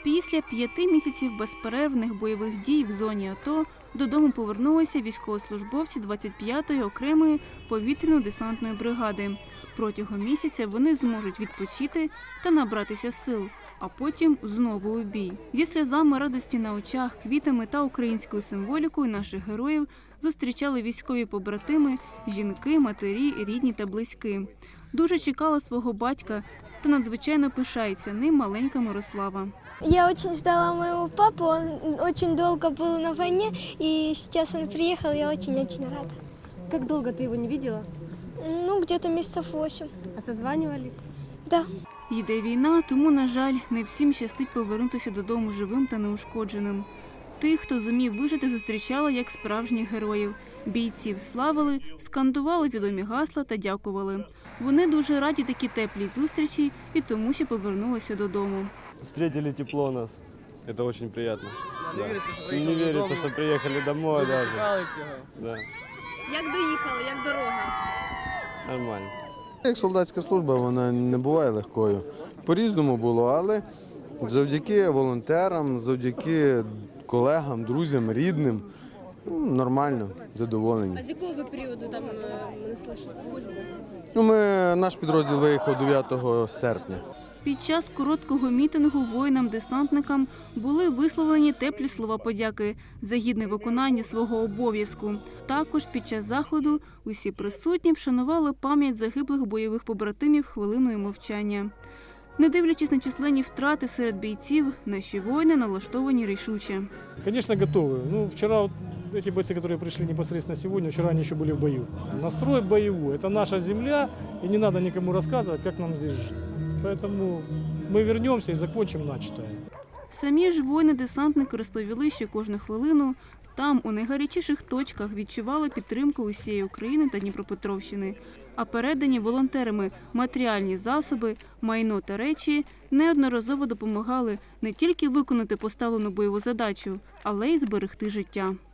Після 5 місяців безперервних бойових дій в зоні АТО додому повернулися військовослужбовці 25-ї окремої повітряно-десантної бригади. Протягом місяця вони зможуть відпочити та набратися сил, а потім знову у бій. Зі сльозами радості на очах, квітами та українською символікою наших героїв зустрічали військові побратими, жінки, матері, рідні та близькі. Дуже чекала свого батька та надзвичайно пишається ним маленька Мирослава. Я очень ждала моего папу, он очень долго был на войне, и сейчас он приехал, я очень-очень рада. Как долго ты его не видела? Ну, где-то месяцев 8. А созванивались? Да. Йде війна, тому, на жаль, не всім щастить повернутися додому живим та неушкодженим. Тих, хто зумів вижити, зустрічали як справжніх героїв. Бійців славили, скандували відомі гасла та дякували. Вони дуже раді такій теплій зустрічі і тому, що повернулися додому. Встретили тепло нас. Это очень приятно. Не верится, что приехали домой даже. Да. Як доїхали, як дорога? Нормально. Як солдатська служба, вона не буває легкою. По-різному було, але завдяки волонтерам, завдяки колегам, друзям, рідним, нормально, задоволені. А з якого ви періоду там несли службу? Наш підрозділ виїхав 9 серпня. Під час короткого мітингу воїнам-десантникам були висловлені теплі слова подяки за гідне виконання свого обов'язку. Також під час заходу усі присутні вшанували пам'ять загиблих бойових побратимів хвилиною мовчання. Не дивлячись на численні втрати серед бійців, наші воїни налаштовані рішуче. Конечно, готовы. Вчера вот эти бойцы, которые пришли непосредственно сегодня, вчера они еще были в бою. Настрой боевой. Это наша земля, и не надо никому рассказывать, как нам здесь жить. Поэтому мы вернемся и закончим начатое. Самі ж воїни-десантники розповіли, що кожну хвилину там, у найгарячіших точках, відчували підтримку усієї України та Дніпропетровщини. А передані волонтерами матеріальні засоби, майно та речі неодноразово допомагали не тільки виконати поставлену бойову задачу, але й зберегти життя.